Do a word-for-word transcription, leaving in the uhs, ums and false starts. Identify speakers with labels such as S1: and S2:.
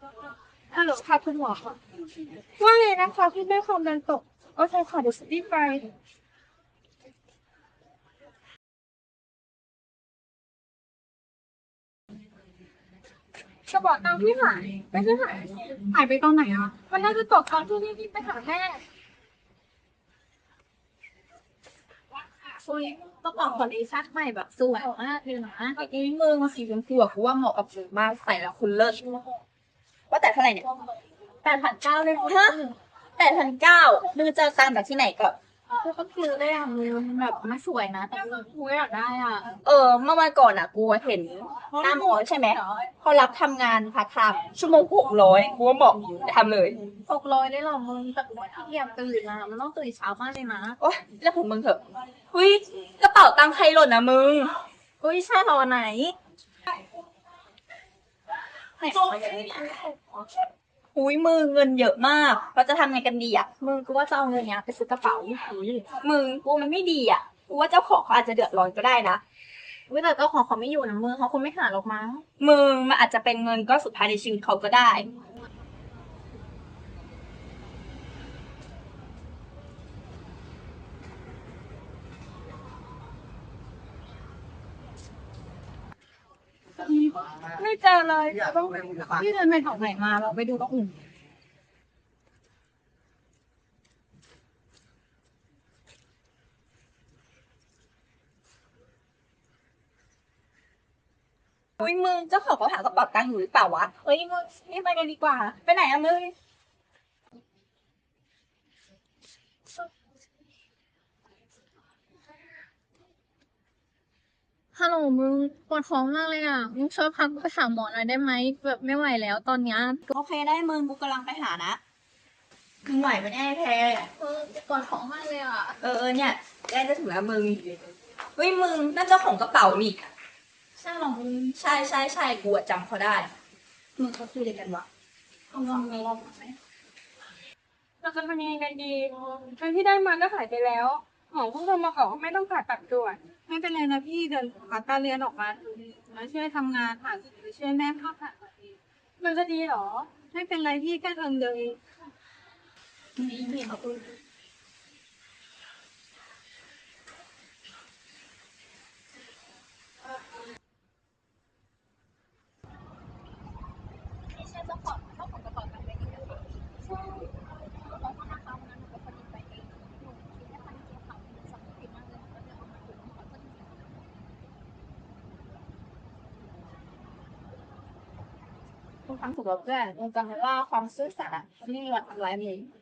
S1: ฮัลโหลค่ะคุณหมอค่ะว่าไงนะคะพี่แม่ความดันตกโอเคค่ะเดี๋ยวรีบไปกระเป๋าตังค์พี่หายไม่ใช่หายหายไปตอนไหนอ่ะมันน่าจะตกตอนที่รีบไปหาแม่
S2: คุยกระเป๋าคอลเลคชันใหม่แบบสวยมากเลยนะไอ้มือมาสีชมพูอะกูว่าเหมาะกับมึงมากใส่แล้วคุณเลิศว่าแต่เท่าไหร่เนี่ยแปดพันเก้าเลยฮะแปดพันเก้าดูจะตามแบบที่ไหนก่อน
S1: ก็คือได้อ่ะมือมันแบบมันสวยนะแต่กูอยากได้อ่ะ
S2: เออเมื่อวันก่อนอ่ะกูเห็นหน้ามอใช่ไหมเขารับทำงานพาร์ทไทม์ชั่วโมงหกร้อยกูว่าเหมาะทำเลย
S1: หกร้อยได้หรอมึงแต่กูไม่ขี้เกียจตื่นนะมันต้องตื่นเช้ามากเลยนะ
S2: โอ๊ยแล้วของมึงเถอะเฮ้ยกระเป๋าตังค์ใครหล่นนะมึง
S1: อุ้ยใช่หรอไหนไหน
S2: อุ้ยมือเงินเยอะมากเราจะทำไงกันดีอ่ะ
S1: มึงกูว่าจะเอาเงินเนี้ยไปซื้อกระเป๋าหูย
S2: มึงกูมันไม่ดีอ่ะกูว่าเจ้าของเขาอาจจะเดือดร้อนก็ได้นะ
S1: วิแต่เจ้าของเขาไม่อยู่นะมึงเขาคงไม่หาหรอกมั้ง
S2: มึงมันอาจจะเป็นเงินก้อนสุดท้ายในชีวิตเขาก็ได้
S1: ไม่เจอเลยต้องพี่เดินไปแถวไหนมาเราไปดูตรงอื่น
S2: อุ้ยมึงเจ้าของเขาหากระเป๋าตังค์อยู่หรือเปล่าวะ
S1: เฮ้ยมึงนี่ไปกันดีกว่า
S2: ไปไหนอะมึง
S1: ฮัลโหลมึงปวดท้องมากเลยอ่ะมึงช่วยพักไปหาหมอหน่อยได้ไหมแบบไม่ไหวแล้วตอนเนี้ย
S2: โอเคได้มึงกูกำลังไปหานะมึงไหวไหมแน่แพ้
S1: เออปวดท้องมากเลยอ่ะ
S2: เออเออเนี่ยใกล้จะถึงแล้วมึงเฮ้ยมึงนั่นเจ้าของกระเป๋านี่
S1: ใช่หรอมึง
S2: ใช่ใช่ใช่กูอะจำเขาได้
S1: มึงเขาคุยอะไรกันวะเอาลองลองไหมเราจะทำยังไงกันดีเงินที่ได้มาก็หายไปแล้วหมอเพิ่งโทรมาบอกว่าไม่ต้องผ่าตัดด่วนไม่เป็นไรนะพี่เดินผ่าตาเรียนออกมาแล้วช่วยทำงานหาหรือช่วยแม่เข้าผ่าตัดเองมันจะดีเหรอไม่เป็นไรพี่แค่เอิงเดินเอง
S2: ไม่ใช่เจ้าของเจ้าของกระเป๋าตังค์ได้ยินนะคะใช่ขอโทษนะคะวันนั้นหนูเป็นคนหยิบไปเองหนูคิดไม่ทันจริงๆค่ะหนูสำนึกผิดมากเลยหนูก็เลยเอามาคืนขอโทษจริงๆทุกครั้งถูกกับเพื่อนมึงจำไว้ว่าความซื่อสัตย์อะไม่มีวันทำร้ายมึง